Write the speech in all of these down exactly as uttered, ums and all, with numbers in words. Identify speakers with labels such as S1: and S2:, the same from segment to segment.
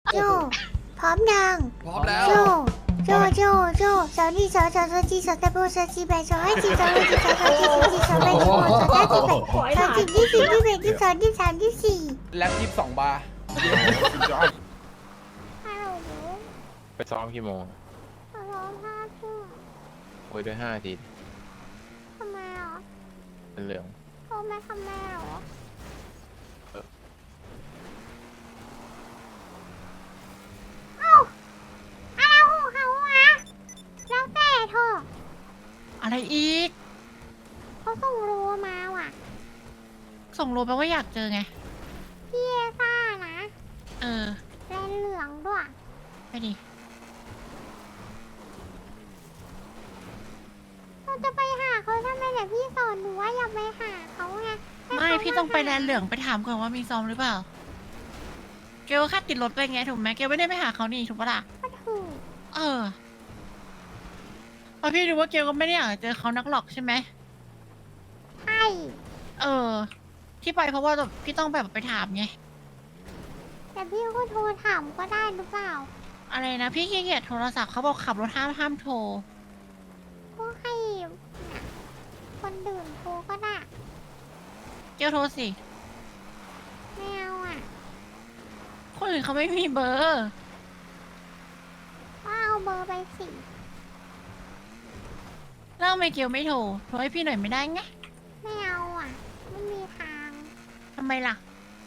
S1: โจพร้อมยัง
S2: พร้อมแล้ว
S1: โจโจโจโจสาวนี่สาวสาวสาวจีสาวตะโบสาวจีแบสาวให้จีสาวให้จีสาวสาวจีสาวจีสาวแบสาวสาวจีแบสาวจีที่สี่ที่แบที่สองที่สามที่สี่
S2: แล็บยี่สิบสองบาร์
S1: ฮัลโหล
S3: ไปซ้อมกี่โมง
S1: ฮัลโหลห้าทุ่ม
S3: โอ้ยด้วยห้าที
S1: ทำไมอ่ะ
S3: เป็นเหลือง
S1: โทรมาทำไมหรอเอ้าอะไรของเขาวะแล้วแต่เธอ
S4: อะไรอีก
S1: เขาส่งโลมาว่ะ
S4: ส่งโลแปลว่าอยากเจอไง
S1: พี่เอซ่านะ
S4: เออ
S1: แลนเหลืองด้วย
S4: ไปดิ
S1: เราจะไปหาเขาทำไมแต่พี่สอนหนูว่าอย่าไปหาเขาไงให้
S4: ไม่
S1: เขา
S4: พี่ต้องไป
S1: า
S4: แลนเหลืองไปถามก่อนว่ามีซ้อมหรือเปล่า เกลแค่ติดรถไปไงถูกไหมเกลไม่ได้ไปหาเขานี่ถูกปะล่ะ
S1: ก็ถูก
S4: เออเพราะพี่รู้ว่าเกลก็ไม่ได้อยากเจอเขานักหรอกใช่ไหม
S1: ใช่
S4: เออ ที่ไปเพราะว่าแบบพี่ต้องแบบไปถามไง
S1: แต่พี่ก็โทรถามก็ได้หรือเปล่า
S4: อะไรนะพี่ขี้เกียจโทรศัพท์เขาบอกขับรถห้ามห้ามโทร
S1: ก็ให้คนดื่นโทรก็ได้
S4: เกลโทรสิ
S1: ไม่เอาอ่ะ
S4: คนอื่นเขาไม่มีเบอร์
S1: ก็เอาเบอร์ไปสิ
S4: แล้วทำไมเกลไม่โทร โทรให้พี่หน่อยไม่ได้ไง
S1: ไม่เอาอ่ะ ไม่มีทาง
S4: ทำไมล่ะ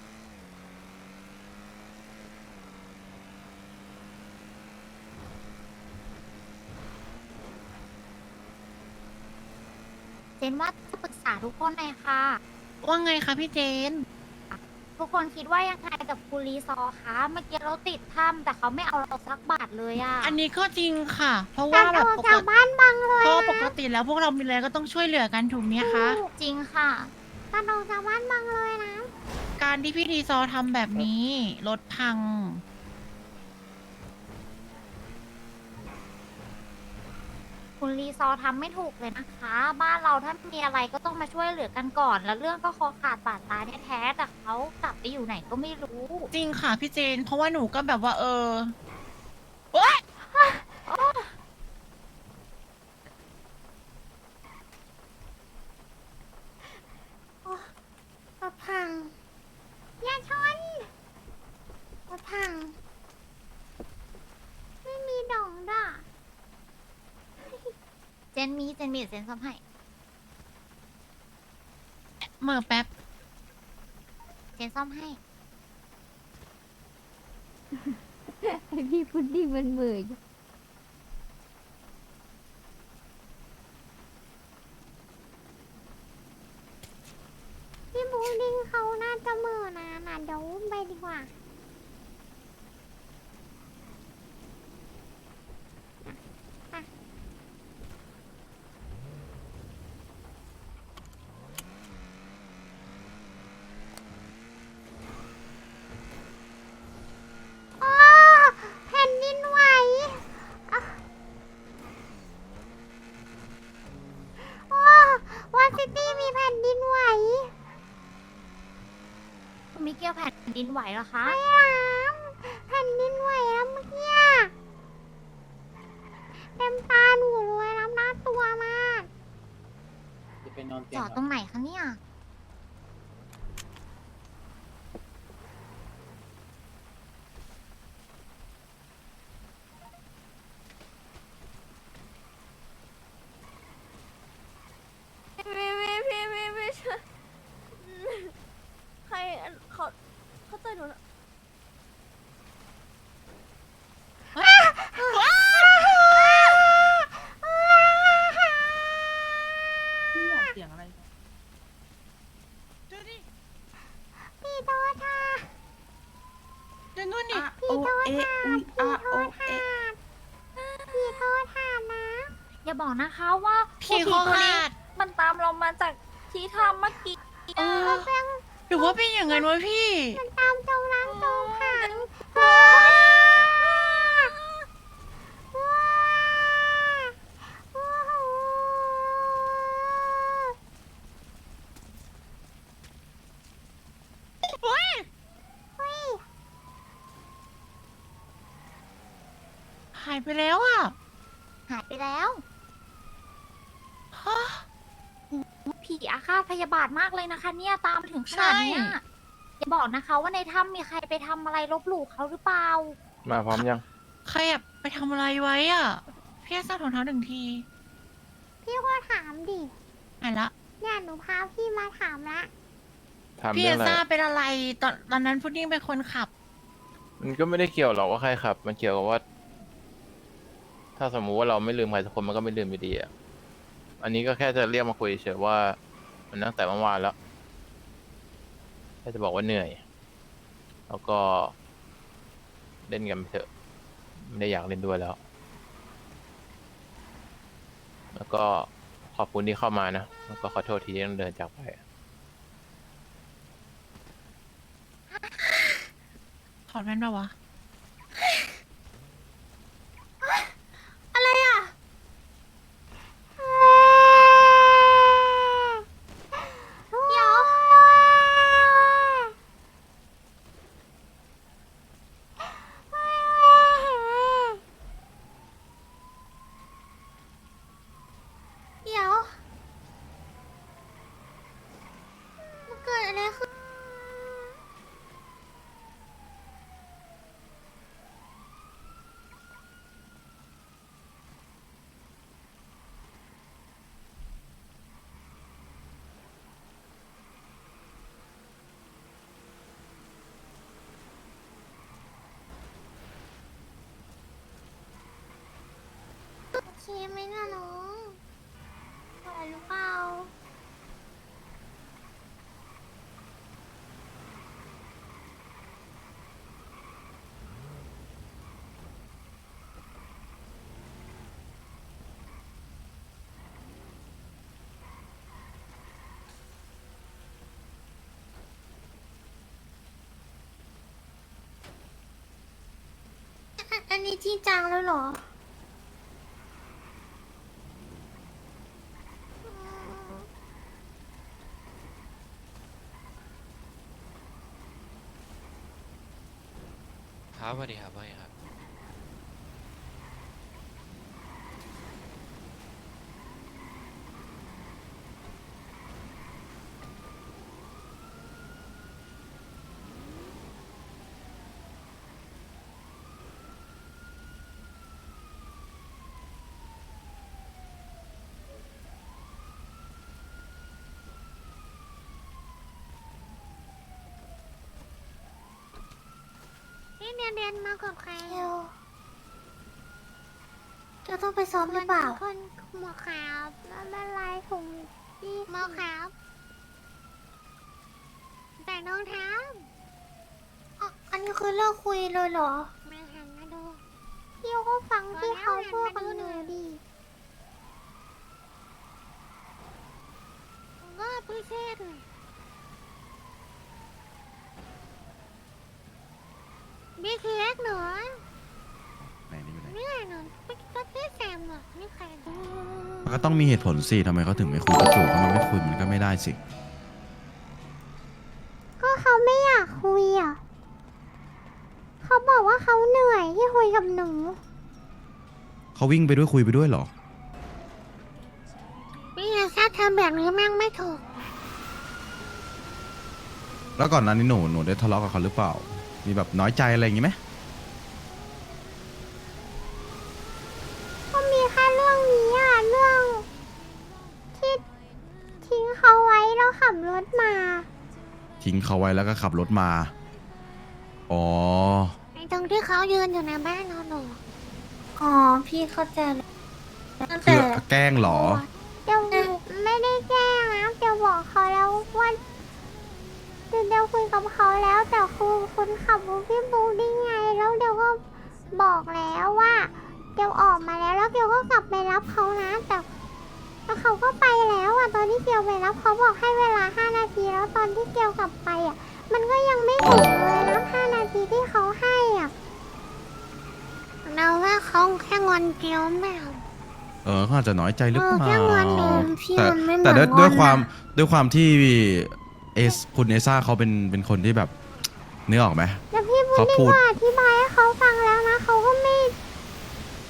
S5: เจนว่าจะปรึกษาทุกคนเลยค่ะ
S4: ว่าไงคะพี่เจน
S5: ทุกคนคิดว่ายังไงกับคุณรีซอร์คะเมื่อกี้เราติดถ้ำแต่เขาไม่เอาเราสักบาทเลยอะ
S4: อันนี้ก็จริงค่ะ เพราะ
S1: กา
S4: ว่าร แบ
S1: โท
S4: บ
S1: ร
S4: ปก
S1: จาก
S4: ติ
S1: บ้านบังเลย
S4: เพราะ
S1: อะ
S4: ปกติแล้วพวกเรามีอะไรก็ต้องช่วยเหลือกันถูกไหมคะ
S5: จริงค่ะ
S1: การโทรจากบ้านบังเลยนะ
S4: การที่พี่ดีซอทำแบบนี้รถพัง
S5: คุณรีซอร์ทำไม่ถูกเลยนะคะ บ้านเราถ้ามีอะไรก็ต้องมาช่วยเหลือกันก่อน แล้วเรื่องก็คอขาดบาดตายแท้ๆแต่เขากลับไปอยู่ไหนก็ไม่รู้
S4: จริงค่ะพี่เจน เพราะว่าหนูก็แบบว่าเออโอ๊ย
S1: รถพัง อย่าชนรถพัง ไม่มีดองด่ะ
S5: เจนมีเจนมีเดี๋ยวเจนซ่อมให้
S4: เหมื่อแป๊บ
S5: เจนซ่อมให้
S6: ไอพี่พุดดิ้งมันเหมือน
S1: พี่บูดิ้งเขาน่าจะเหมือนะน่ะเดี๋ยวอุ้มไปดีกว่า อ้าแผ่นดินไหวอ่ะอ้าวอซิตี้มีแผ่นดินไหว
S5: คุณมิเกลแผ่นดินไหวเหรอคะ
S1: ไอ้หลามแผ่นดินไหวแล้วเมื่อกี้อะเต็มตาหนูเลยน้ำหน้าตัวมาก
S7: จะไปนอนเตี
S5: จ
S7: ยง
S5: อดตรงไหนคะเนี่ย
S6: พี่พี่พี่พี่พี่ช่วยใครเขาเขาเตือนหนูนะ
S4: พี่อยากเสียงอะไรดูดิ
S1: พี่โทษค่ะ
S4: ดูนู่นดิ
S1: พี่โทษค่ะพี่โทษค่ะพี่โทษค่ะนะ
S5: อย่าบอกนะคะว่า
S4: พี่คอ
S5: ตัวนี้
S4: ขาด
S6: มันตามเรามาจากที่ทำเมื่อกี้
S4: เออหรือว่าเป็นอย่างนั้นวะพี่
S1: มันตามตรงน้ำตรงขังว้าว้าโอ้โห
S4: เฮ้ย
S1: เฮ้ย
S4: ายไปแล้วอ่ะ
S5: หายไปแล้ว
S4: ฮะ
S5: ผีอาฆาตพยาบาทมากเลยนะคะ เนี่ยตามมาถึงขนาดเนี้ย
S4: ใช่
S5: อย่าบอกนะคะว่าในถ้ำมีใครไปทำอะไรลบหลู่เขาหรือเปล่า
S3: มาพร้อมยัง
S4: ใครอะไปทำอะไรไว้อ่ะพี่จะสร้างถุงเท้าหนึ่งที
S1: พี่ก็ถามดิ
S4: หายละ
S1: เนี่ยหนูพาพี่มาถามละ
S3: ถาม
S4: พี่
S3: เรื่อ
S4: เอง
S3: อะไร
S4: ซ่าเป็นอะไรตอนตอนนั้นพุดดิ้งเป็นคนขับ
S3: มันก็ไม่ได้เกี่ยวหรอกว่าใครขับ มันเกี่ยวกับว่า ถ้าสมมุติว่าเราไม่ลืมใครสักคนมันก็ไม่ลืมอยู่ดีอ่ะ อันนี้ก็แค่จะเรียกมาคุยเฉยว่า มันตั้งแต่เมื่อวานแล้วแค่จะบอกว่าเหนื่อย แล้วก็ เล่นกันไปเถอะ ไม่ได้อยากเล่นด้วยแล้ว แล้วก็ขอบคุณที่เข้ามานะ แล้วก็ขอโทษทีที่ต้องเดินจากไป
S4: ถอดแว่นปะวะ
S1: อะไรอ่ะเดี๋ยวเดี๋ยวมันเกิดอะไรขึ้น โอเคไหมนะน้องไหวหรือเปล่า อันอันนี้จริงจังแล้วเหรอ
S2: ครับสวัสดีครับว่าไงครับ
S1: นี่เรียนเรียนมากับใครเร็วจะต้องไปซ้อมหรือเปล่าคนหมอขาวไม่เป็นไรถุงพี่หมอขาวแต่น้องเท้าอ๋ออันนี้คือเลิกคุยเลยเหรอมาหันมาดูพี่ก็ฟังที่เขาพูดกับหนูดิก็พิเศษเลยบีทีเอ็กเหรอ
S8: ไหนนี่อยู่ไหน
S1: ไม่ไงหนูไม่ก็พี่แซมเหรอไม่ใครดู
S8: มันก็ต้องมีเหตุผลสิทำไมเขาถึงไม่คุยกับจู่ถ้ามันไม่คุยมันก็ไม่ได้สิ
S1: ก็เขาไม่อยากคุยอ่ะเขาบอกว่าเขาเหนื่อยที่คุยกับหนู
S8: เขาวิ่งไปด้วยคุยไปด้วยเหรอ
S1: พี่แซมทำแบบนี้แม่งไม่ถูก
S8: แล้วก่อนหนั้นนี่หนูหนูได้ทะเลาะกับเขาหรือเปล่า มีแบบน้อยใจอะไรอย่างงี้ไหม
S1: ก็มีแค่เรื่องนี้อ่ะเรื่องที่ทิ้งเขาไว้แล้วขับรถมา
S8: ทิ้งเขาไว้แล้วก็ขับรถมา อ๋อ
S1: ไอ้ตรงที่เขายืนอยู่ในบ้านเราหนูอ๋อพี่เข้าใจแล้วตั้ง
S8: คื
S1: แต่
S8: อแกล้งเหรอ
S1: เดี๋ยวไม่ได้แกล้งนะเดี๋ยวบอกเขาแล้วว่าเดี๋ยวเดี๋ยวคุยกับเขาแล้วแต่คือคนขับรถพี่บูได้ไงแล้วเดี๋ยวก็บอกแล้วว่าเดี๋ยวออกมาแล้วแล้วเดี๋ยวก็กลับไปรับเขานะแต่แล้วเขาก็ไปแล้วอ่ะตอนที่เกียวไปรับเขาบอกให้เวลาห้านาทีแล้วตอนที่เกียวกลับไปอ่ะมันก็ยังไม่ถึงเลยนะห้านาทีที่เขาให้อ่ะเราว่าเขาแค่งอนเกียวแม่
S8: เออเขาอาจจะน้อยใจหรือเปล่า
S1: เออแค่งอนหนูพี่
S8: แต่
S1: มันไม่เหมือน
S8: แต่ด้วย
S1: งอน
S8: ด้วยความ
S1: อะ
S8: ด้วยความที่เอสคุณเอซ่าเขาเป็นเป็นคนที่แบบ นึกออกไหม
S1: แล้วพี่บุญ
S8: เขา
S1: นี่
S8: พูด
S1: ก็อธิบายให้เขาฟังแล้วนะเขาก็ไม่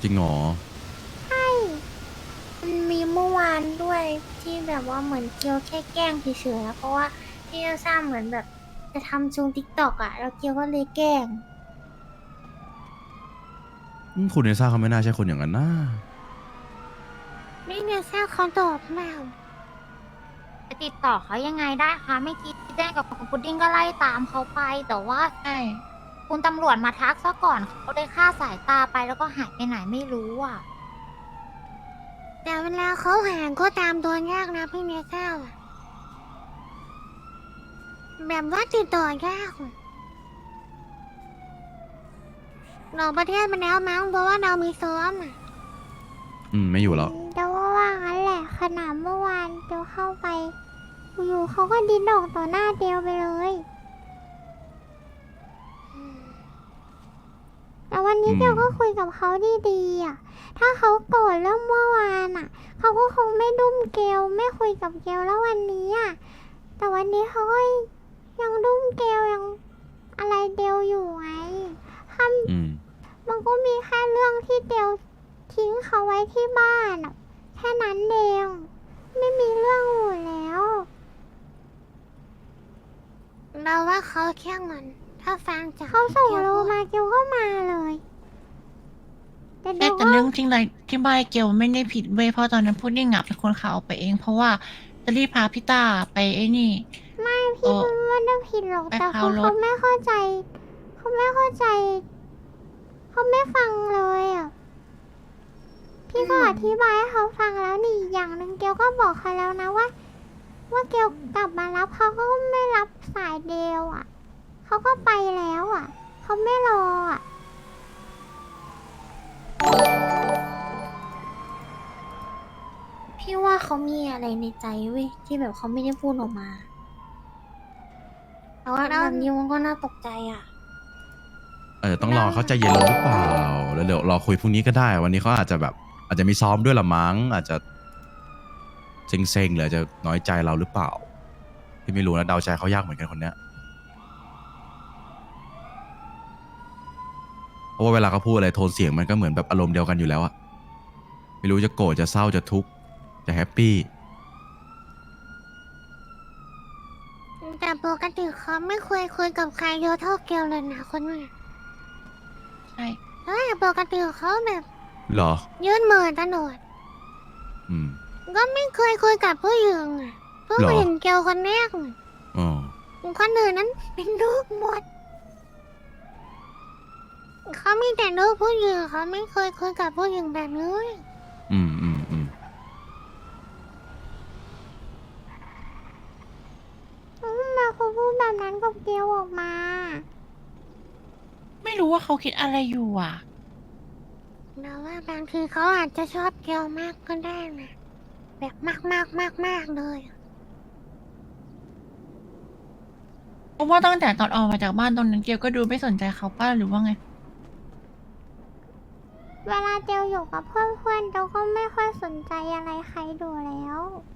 S8: จริงเหรอ
S1: ใช่มันมีเมื่อวานด้วยที่แบบว่าเหมือนเกียวแค่แกล้งเฉยๆอะเพราะว่าพี่เอลซ่าเหมือนแบบจะทำช่วงติ๊กต็อกอะแล้วเกียวก็เลยแกล้ง
S8: อืมคุณเอซ่าเขาไม่น่าใช่คนอย่างนั้นนะ
S1: นี่เอลซ่าเขาตอบมา
S5: จะติดต่อเขายังไงได้คะไม่คิดแจ้งกับคุณพุดดิ้งก็ไล่ตามเขาไป แต่ว่า
S4: ใช่
S5: คุณตำรวจมาทักซะก่อนเขาได้ฆ่าสายตาไปแล้วก็หายไปไหนไม่รู้อ่ะ
S1: แต่เวลาเขาหาก็ตามตัวยากนะพี่เนเซ่าอะแบบว่าติดต่อยากอะนอกประเทศมาแล้วมั้งเพราะว่าเรามีซ้อมอะ
S8: อืม ไม่อยู่แล้ว
S1: เดี๋ยวว่าว่างั้นแหละขนาดเมื่อวานเดี๋ยวเข้าไป อยู่เขาก็ดิ้นออกต่อหน้าเดียวไปเลยอืมแต่วันนี้
S8: อืม
S1: เดียวก็คุยกับเขาดีๆอ่ะ ถ้าเขาโกรธเรื่องเมื่อวานอ่ะ เขาก็คงไม่ดุ้มเกลไม่คุยกับเกลแล้ววันนี้อ่ะ แต่วันนี้เขาก็ยังดุ้มเกลยังอะไรเดียวอยู่ไงท
S8: อืม
S1: ำมันก็มีแค่เรื่องที่เดียวทิ้งเขาไว้ที่บ้านอ่ะ แค่นั้นเองไม่มีเรื่องอื่นแล้ว เราว่าเขาแค่เงินถ้าฟังจากเขาส่งโลมาเกียวก็มาเลยแต่
S4: ใช่
S1: เดี๋ยว
S4: แต่
S1: ก็
S4: เรื่องจริงเลยที่บ้านเกลไม่ได้ผิดเว้ยเพราะตอนนั้นพุดดิ้งอะเป็นคนข่าวออกไปเอง เพราะว่าจะรีบพาพี่ต้าไปไอ้นี่
S1: ไม่
S4: เอ
S1: พี่
S4: อ
S1: มันไม่ได้ผิดหรอก
S4: ไป
S1: แต่
S4: พา
S1: คือ
S4: รถ
S1: เขาไม่เข้าใจ เขาไม่เข้าใจ เขาไม่ฟังเลยอ่ะ พี่ก็อธิบายให้เขาฟังแล้วนี่อีกอย่างหนึ่งเกียวก็บอกเขาแล้วนะว่า ว่าเกียวกลับมารับเขาก็ไม่รับสายเดียวอ่ะ เขาก็ไปแล้วอ่ะ เขาไม่รออ่ะ พี่ว่าเขามีอะไรในใจเว้ยที่แบบเขาไม่ได้พูดออกมาแต่ว่าแบบนี้มันก็น่าตกใจอ่ะ
S8: อาจจะต้องรอเขาใจเย็นลงหรือเปล่า แล้วเดี๋ยวรอคุยพรุ่งนี้ก็ได้ วันนี้เขาอาจจะแบบ อาจจะมีซ้อมด้วยละมั้ง อาจจะเซ็งๆหรืออาจจะน้อยใจเราหรือเปล่า พี่ไม่รู้นะเดาใจเขายากเหมือนกันคนเนี้ย เพราะว่าเวลาเขาพูดอะไรโทนเสียงมันก็เหมือนแบบอารมณ์เดียวกันอยู่แล้วอะไม่รู้จะโกรธจะเศร้าจะทุกข์จะแฮปปี้
S1: แต่ปกติเขาไม่เคยคุยกับใครเยอะเท่าเกลเลยนะคนนี้
S4: ใช่
S1: เฮ้ยปกติเขาแบบ
S8: เหรอ
S1: ยื่นมือตลอด
S8: อืม
S1: ก็ไม่เคยคุยกับผู้หญิงอะเพิ่ง
S8: หรอ
S1: เห็นเกลคนแรกอะ
S8: อ๋อ
S1: คนอื่นนั้นเป็นลูกหมด เขามีแต่ลูกผู้หญิงเขาไม่เคยคุยกับผู้หญิงแบบนี้
S8: อืมอืมอืม
S1: ทำไมาเขาพูดแบบนั้นกับเกลออกมา
S4: ไม่รู้ว่าเขาคิดอะไรอยู่อ่ะ
S1: เราว่าบางทีเขาอาจจะชอบเกลมากก็ได้นะแบบมากมากมากมากๆเลย
S4: เพราะว่าตั้งแต่ตอนออกมาจากบ้านตรงนั้นเกลก็ดูไม่สนใจเขาป้าหรือว่าไง
S1: เวลาเจลอยู่กับเพื่อนๆเจลก็ไม่ค่อยสนใจอะไรใครดูแล้ว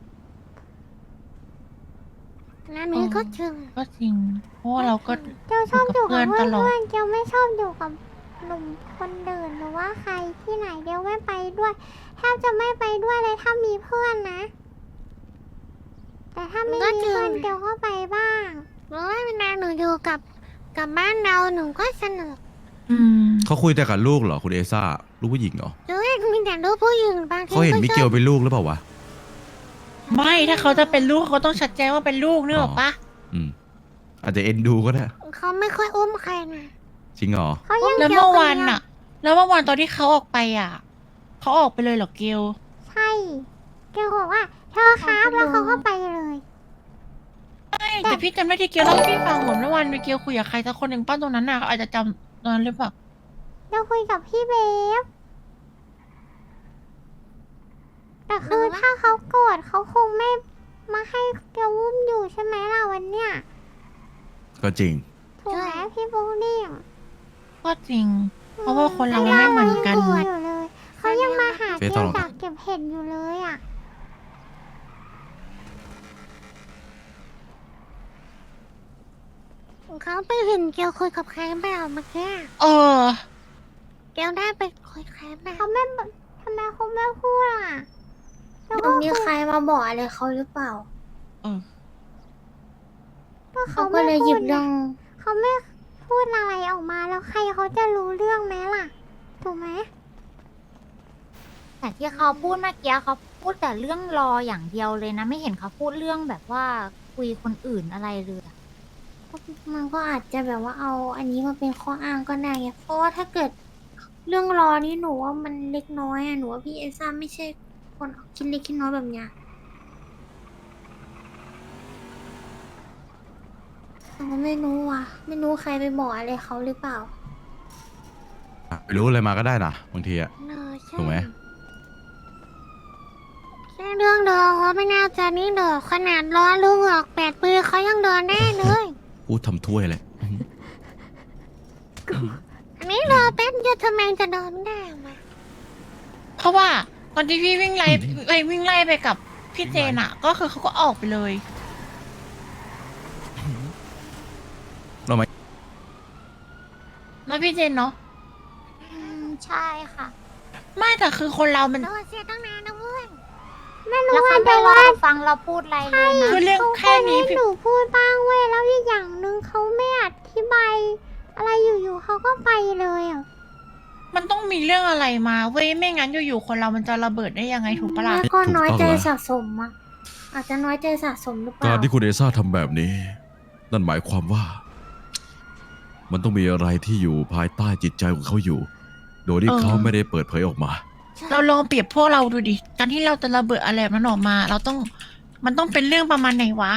S1: นั่นนี้ก็จริง
S4: ก็จริง เพราะว่าเราก็
S1: เจลชอบอยู่กับ
S4: อยู่กับเพื่
S1: เพื่
S4: อนตลอด
S1: อนๆเจลไม่ชอบอยู่กับหนุ่มคนเดินหรือว่าใครที่ไหนเจลไม่ไปด้วยแทบจะไม่ไปด้วยเลยถ้ามีเพื่อนนะ แต่ถ้าไม่มีเพื่อนเจลก็ไปบ้างหรือว่าเวลาหนูอยู่กับกับบ้านเราหนูก็สนุก
S4: อืม
S8: เขาคุยแต่กับลูกเหรอคุณเอซ่า ลูกผู้หญิงเหรอ
S1: หรือว่ามีแต่ลูกผู้หญิงบางที
S8: เขาเห็นมิเกลเป็นลูกหรือเปล่าวะ
S4: ไม่ถ้าเขาจะเป็นลูกเขาต้องชัดเจนว่าเป็นลูกนึกออกปะ
S8: อืม อาจจะเอ็นดูก็ได้
S1: เขาไม่ค่อยอุ้มใครนะ
S8: จริงเหรอ
S1: เขายัง
S4: แล้ว
S1: เจ
S4: เมื่อ
S1: ค
S4: วาน
S1: เดีย
S4: น่ะ แล้วเมื่อวานตอนที่เขาออกไปอ่ะเขาออกไปเลยเหรอเกล
S1: ใช่เกลบอกว่าเธอครับแล้วเขาก็ไปเลย
S4: ไม่แต่พี่จำได้ที่เกลเล่าให้พี่ฟังเหมือนเมื่อวานเกลคุยกับใครสักคนหนึ่งป้าตรงนั้นน่ะเขาอาจจะจำตอนนั้นหรือเปล่า
S1: เราคุยกับพี่เบฟแต่คือถ้าเขาโกรธเขาคงไม่มาให้เกลอุ้มอยู่ใช่ไหมล่ะวันเนี้ย
S8: ก็จริง
S1: ถูกไหมพี่บูนี่
S4: ก็จริง เพราะว่าคนเรามันไม่เหมือนกัน
S1: เขายังอยู่เลยเขายังมาหา
S8: เฟ
S1: เก
S8: ซต
S1: ล
S8: ลอด
S1: จากเก็บเห็ดอยู่เลยอ่ะเขาไปเห็นเกลคุยกับใครเปล่าเมื่อกี้
S4: เออ
S2: แก้วได้ไปคุยใครไหม
S1: เขาไม่บอกทำไมเขาไม่พูดอ่ะแล้ว
S2: มั
S1: ก็
S2: นมีใครมาบอกอะไรเขาหรือเปล่า
S4: เออ
S1: ก็
S2: เขา
S1: เขา
S2: ก็
S1: ไม่
S2: เลยห
S1: พู
S2: ยิ
S1: ด
S2: บ
S1: ไง
S2: เรื่อง
S1: เขาไม่พูดอะไรออกมาแล้วใครเขาจะรู้เรื่องไหมล่ะ ถูกไหม
S5: แต่ที่เขาพูดเมื่อกี้เขาพูดแต่เรื่องรออย่างเดียวเลยนะ ไม่เห็นเขาพูดเรื่องแบบว่าคุยคนอื่นอะไรเลยอะ
S2: มันก็อาจจะแบบว่าเอาอันนี้มาเป็นข้ออ้างก็ได้ไงเพราะว่าถ้าเกิดเรื่องรอนี่หนูว่ามันเล็กน้อยอะหนูว่าพี่เอซ่าไม่ใช่คนคิดเล็กคิดน้อยแบบเนี้ยหนูไม่รู้ว่ะ ไม่รู้ใครไปบอกอะไรเขาหรือเปล่า
S8: ไปรู้อะไรมาก็ได้นะบางทีอะ
S2: เออใช่
S8: ถูกไหม
S2: แค่เรื่องเดินเขาไม่น่าจะนี่เด้อขนาดล้อลุงออกแปดปีเขายังเดินได้เลย
S8: พูดทำถ้วยเลย
S2: อันนี้รอแป๊บเดียวทำไมจะเดินไม่ได้วะ
S4: เพราะว่าตอนที่พี่วิ่งไล่ไล่วิ่งไล่ไปกับพี่เจนอะก็คือเขาก็ออกไปเลย
S8: เราไหม
S4: แล้วพี่เจนเนาะ
S5: อืมใช่ค่ะ
S4: ไม่แต่คือคนเรามัน
S2: โดนเสียตั้งนานนะเพื่อน
S1: ไม่
S5: แล้
S1: รู้
S5: ว
S1: ว่า
S5: เขาไม่
S1: แต่
S5: รอ
S1: ว่า
S5: ฟังเราพูดอะไรเลยนะ
S4: คือเรื่อง
S1: เขา
S4: แค่นี้
S1: ให้
S4: พี่
S1: หนูพูดบ้างเว้ยแล้วอีกอย่างหนึ่งเขาไม่อธิบายอะไรอยู่ๆเขาก็ไปเลยอ่ะ
S4: มันต้องมีเรื่องอะไรมาเว้ยไม่งั้นอยู่ๆคนเรามันจะระเบิดได้ยังไงถูกปะล่ะ
S2: แม่ก็น้อยใจสะสมอ่ะ อาจจะน้อยใจสะสมหรือเป
S8: กา
S2: ล่า
S8: รที่คุณเอซ่าทำแบบนี้ นั่นหมายความว่า มันต้องมีอะไรที่อยู่ภายใต้จิตใจของเขาอยู่ โดยที่
S4: เออ
S8: เขาไม่ได้เปิดเผยออกมา
S4: เราลองเปรียบพวกเราดูดิการที่เราจะระเบิดอะไรแบบนั้นออกมา เราต้องมันต้องเป็นเรื่องประมาณไหนวะ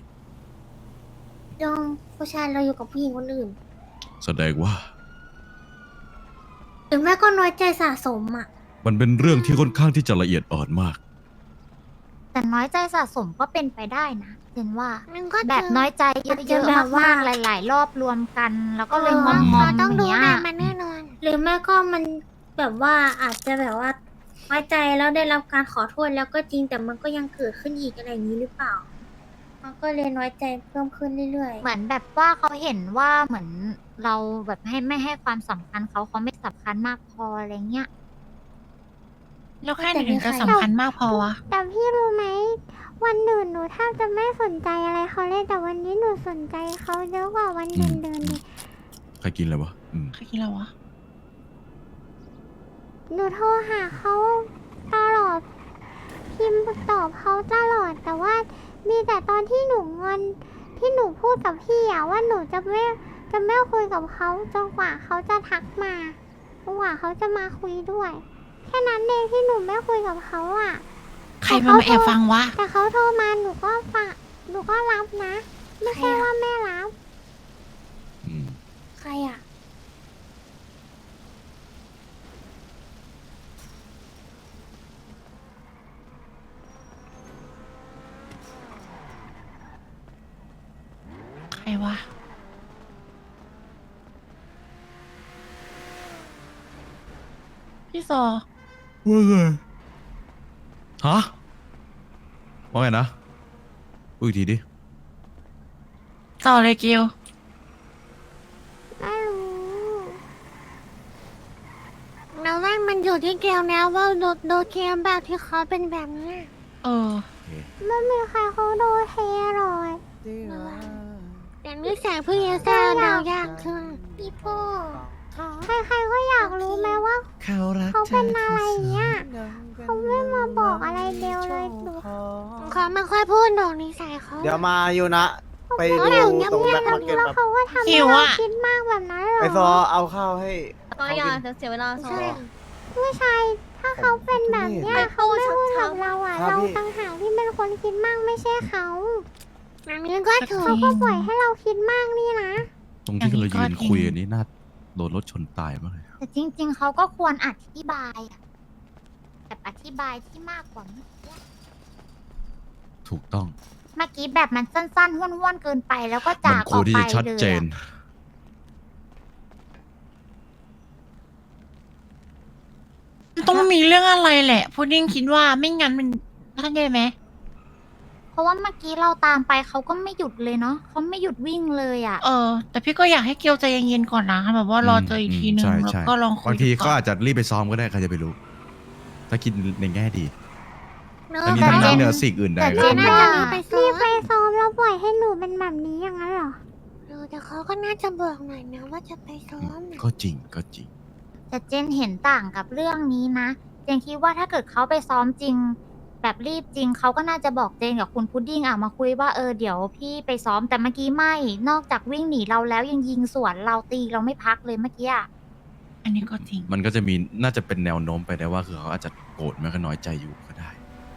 S2: ยองผู้ชายเราอยู่กับผู้หญิงคนอื่น
S8: แสดงว่า
S2: หรือแม่ก็น้อยใจสะสมอ่ะ
S8: มันเป็นเรื่องที่ค่อนข้างที่จะละเอียดอ่อนมาก
S5: แต่น้อยใจสะสมก็เป็นไปได้นะเห็นว่า
S2: มันก็
S5: แบบน้อยใจเย
S2: อาจจะ
S5: อะ
S2: แบบ
S5: ๆ
S2: ว่า
S5: มากๆหลาย ๆ รอบรวมกัน แล้วก็เลย
S2: เออง
S5: อมๆ
S2: เขา
S5: อ
S2: ต้องดู
S5: ย่าง
S2: แล
S5: เงี้ย
S2: มันแน่นอน หรือแม่ก็มันแบบว่าอาจจะแบบว่าน้อยใจแล้วได้รับการขอโทษแล้วก็จริงแต่มันก็ยังเกิดขึ้นอีกอะไรอย่างนี้หรือเปล่า มันก็เลยน้อยใจเพิ่มขึ้นเรื่อย
S5: เหมือนแบบว่าเขาเห็นว่าเหมือนเราแบบให้ไม่ให้ความสำคัญเขาเขาไม่สำคัญมากพออะไรเงี้ย
S4: แล้วแค่ไหนถึงจะสำคัญมากพอวะ
S1: แต่พี่รู้ไหมวันอื่นหนูแทบจะไม่สนใจอะไรเขาเลยแต่วันนี้หนูสนใจเขาเยอะกว่าวัน
S8: อื
S1: เดิ
S8: ม
S1: นเดินๆดิ
S8: ใครกินอะไรวะอืม
S4: ใครคิดแล้ววะ
S1: หนูโทรหาเขาตลอดพิมพ์ตอบเขาตลอดแต่ว่ามีแต่ตอนที่หนูงอนที่หนูพูดกับพี่อะว่าหนูจะไม่จะไม่คุยกับเขาจนกว่าเขาจะทักมาจนกว่าเขาจะมาคุยด้วย แค่นั้นเองที่หนูไม่คุยกับเขาอะ
S4: ใครมามาแอบฟังวะ
S1: แต่เขาโทรมาหนูก็ฟังหนูก็รับนะ ไม่ใช่ว่าไม่รับ
S8: อืม
S2: ๆ ใครอ่ะ
S4: ใครวะ พี่ซอ
S8: ว่าไงฮะว่าไงนะพูดอีกทีดิ
S4: ต่อเลยเกล
S1: ไม่รู้
S2: เราว่ามันอยู่ที่เกลนะว่าโดโดเกมแบบที่เขาเป็นแบบเนี้ย
S4: เออ
S1: ไม่มีใครเขาโดนเทหรอก
S2: แต่นิสัยพี่เอซ่าเดายากขึ้นพี่โป้
S1: ใครๆก็อยากรู้ไหมว่า เขาเป็นอะไรเงี้ยเขาไม่มาบอกอะไรเดียวเลยหนู
S2: เขาไม่ค่อยพูดดอกนิสัยเขา
S9: เดี๋ยวมาอยู่นะ ไปดู
S1: เขาอยู่เงี
S9: ตรง
S1: ย
S9: แบ็
S1: บ
S9: ค
S1: ๆ
S9: มาร์เก็ต
S1: แล้ว
S9: แบบ
S1: เขาก็ทำ
S4: หิ
S1: ให้
S4: ว
S1: เรา
S4: อะ
S1: คิดมากแบบนั้นเหรอ
S9: ไอซอเอาข้าวให้
S6: ก็อย่าจะเสียเวลาซอ
S2: ใช่
S1: ผู้ชายถ้าเขาเป็นแบบเนี้ย
S6: ไปพู
S1: เขา
S6: ด
S1: ไม่พูด
S6: ชั
S1: กั
S6: ด
S1: บ
S6: ๆ
S1: เราอ่ะ
S9: ครับ
S1: เรา
S9: พี่
S1: ต่างหากที่เป็นคนคิดมากไม่ใช่เขา
S2: อันนี้ก็ถูก
S1: เขาก็ปล่อยให้เราคิดมากนี่นะ
S8: ตรงที่เรายืน
S4: อย่างนี้ก็จริง
S8: คุยกันนี้น่าโดนรถชนตายมากเลย
S5: แต่จริง ๆเขาก็ควรอธิบายอะแบบอธิบายที่มากกว่าเมื่อกี้
S8: ถูกต้อง
S5: เมื่อกี้แบบมันสั้นๆห้วนๆเกินไปแล้วก็
S8: มั
S5: จาก
S8: ค
S5: อ
S8: ว
S5: อ
S8: ร
S5: ก
S8: ที่
S5: ไป
S8: จะชัด
S5: เลย
S8: เจน
S5: อะ
S4: มันต้องมีเรื่องอะไรแหละพุดดิ้งคิดว่าไม่งั้นมันเข้าใจไหม
S5: คราะว่าเมื่อกี้เราตามไปเขาก็ไม่หยุดเลยเนาะเขาไม่หยุดวิ่งเลยอ่ะ
S4: เออ แต่พี่ก็อยากให้เกียวใจเย็นๆก่อนนะแบบว่ารอเจออีกทีนึง
S8: ใช่
S4: แล้ว
S8: ใช่
S4: ก็ลองคุย
S8: บางที
S4: ดู
S8: เขา
S4: ก่อน
S8: อาจจะรีบไปซ้อมก็ได้ใครจะไปรู้ ถ้าคิดในแง่ดี
S2: เนอะ
S8: ทั้งนี้
S2: แต่
S8: ทั้ง
S2: เจ
S8: นั้น
S2: น
S8: เหนือสิ่งอื่นใด
S2: แต่
S8: ก็
S2: เจ
S8: ต้อน ง
S2: น่าจะรีบไปซ้
S1: รี
S2: อบ
S1: ไป
S2: ม
S1: ซ้อมแล้วปล่อยให้หนูเป็นแบบนี้อย่างนั้นเหรอ
S2: เออแต่เขาก็น่าจะบอกหน่อยนะว่าจะไปซ้อมน่ะ
S8: ก็จริงก็จริง
S5: แต่เจนเห็นต่างกับเรื่องนี้นะ เจนคิดว่าถ้าเกิดเขาไปซ้อมจริง แบบรีบจริงเขาก็น่าจะบอกเจนกับคุณพุดดิ้งอ่ะมาคุยว่าเออเดี๋ยวพี่ไปซ้อมแต่เมื่อกี้ไม่ นอกจากวิ่งหนีเราแล้วยังยิงสวนเราตีเราไม่พักเลยเมื่อกี้อะ
S4: อันนี้ก็จริง
S8: มันก็จะมีน่าจะเป็นแนวโน้มไปได้ว่าคือเขาอาจจะโกรธแม้ก็น้อยใจอยู่ก็ได้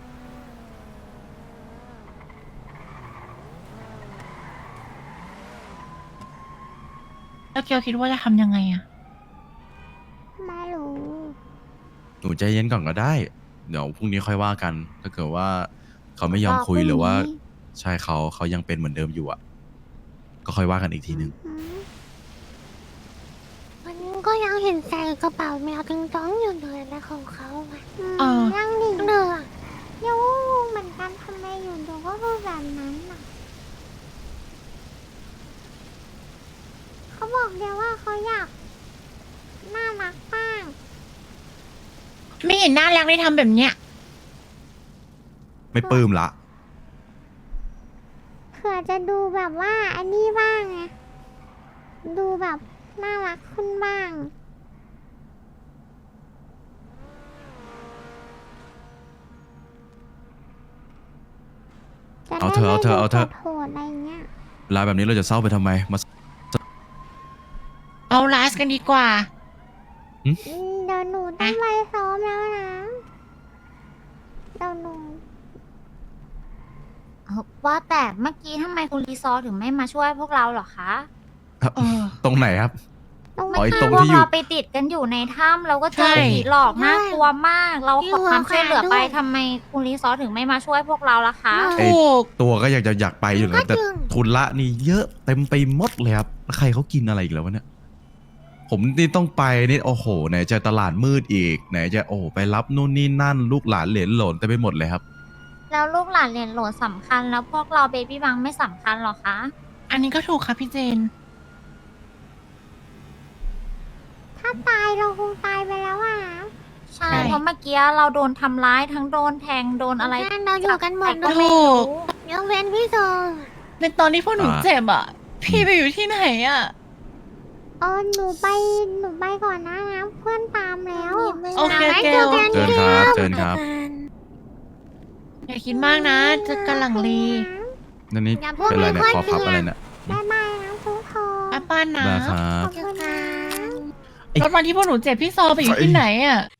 S4: แล้วเกียวคิดว่าจะทำยังไงอะ
S1: ไม่รู้
S8: หนูใจเย็นก่อนก็ได้ เดี๋ยวพรุ่งนี้ค่อยว่ากัน ถ้าเกิดว่าเขาไม่ยอมคุยหรือว่า ใช่เขาเขายังเป็นเหมือนเดิมอยู่อ่ะ ก็ค่อยว่ากันอีกทีหนึ่ง
S2: มันก็ยังเห็นใส่กระเป๋าแมวตึงต้องอยู่เลยนะของเขาอะ
S4: เออ
S1: ยังดิ
S2: เนอะ
S1: ยังงงเหมือนกันทำไมอยู่ดูก็พูดแบบนั้นน่ะเขาบอกเดียวว่าเขาอยากน่ารักบ้าง
S4: ไม่เห็นน่ารักได้ทำแบบเนี้ย
S8: ไม่ปลื้มละ
S1: เผื่อจะดูแบบว่าอันนี้บ้างไงดูแบบน่ารักขึ้นบ้าง จะ
S8: เอาเถอะเอาเถอะเอาเถอะ
S1: ได้ไม่ดูโหดๆอะไรเงี้ย
S8: เวลาแบบนี้เราจะเศร้าไปทำไมมา
S4: เอาไลฟ์กันดีกว่า
S1: อืมเดี๋ยวหนูต้องไปซ้อมแล้วนะเดี๋ยวหนู
S5: เอ่อว่าแต่เมื่อกี้ทำไมคุณรีซอร์ถึงไม่มาช่วยพวกเราเหรอคะ
S4: เออ
S8: ตรงไหนครับ
S1: ต้อง
S8: อ๋อไอ้
S5: เมื่อ
S8: ตร
S5: กี้
S8: ง
S5: พว
S8: ที่
S5: ก
S8: อยู่
S5: เราไปติดกันอยู่ในถ้ำเราก็เจอ
S4: ใช่
S5: ผีหลอกน่ากลัวมาก เราขอความช่วยเหลือไป
S2: อยู่กับใครด้วย
S5: ทำไมคุณรีซอร์ถึงไม่มาช่วยพวกเราล่ะคะ
S8: ไอ้
S4: ถูก
S8: ตัวก็อยากจะอยากไปอยู่นะแต่
S2: ก็จริง
S8: ทุนละนี่เยอะเต็มไปหมดเลยครับแล้วใครเขากินอะไรอีกแล้ววะเนี่ย ผมนี่ต้องไปนี่โอ้โหไหนจะตลาดมืดอีก ไหนจะโอ้โหไปรับนู่นนี่นั่น ลูกหลานเหลนหลนเต็มไปหมดเลยครับ
S5: แล้วลูกหลานเหรียญโหลสำคัญแล้วพวกเราเบบี้บังไม่สำคัญหรอคะ
S4: อันนี้ก็ถูกค่ะพี่เจน
S1: ถ้าตายเราคงตายไปแล้วอ่ะ
S5: ใช่
S4: ใช่
S5: เพราะเมื่อกี้เราโดนทำร้ายทั้งโดนแทงโดนอะไร
S2: ใช่เราอยู่กันหมด
S5: แต่
S2: เล
S5: ก็
S2: ย
S5: ไม่รู้
S2: ยกเว้นพี่โซ
S4: ในตอนที่พวกหนู
S8: อ่า
S4: เจ็บอ่ะ พี่ไปอยู่ที่ไหนอ่ะ
S1: เออหนูไปหนูไปก่อนนะนะเพื่อนตามแล้ว
S4: โอเค
S2: แล้ว
S4: เกล
S2: เจอกัน
S8: เชิญครับเชิญครับ
S4: อย่าคิดมากนะเจะกะหลังลี
S8: นั่นนี่
S2: อย่าพูด
S8: เป็นอะไรเนี่ย
S2: ไม่
S8: ค
S2: ค่
S8: อ
S2: อย
S8: พับ
S2: เกลียด
S8: อะไรเนี่ย
S1: บ๊ายบายนะทุกคน
S4: ป้าป้านะ
S8: ได้ครับ
S1: ขอบคุณนะ
S4: รถวันที่พวกหนูเจ็บพี่ซอไปอยู่ที่ไหนอ่ะ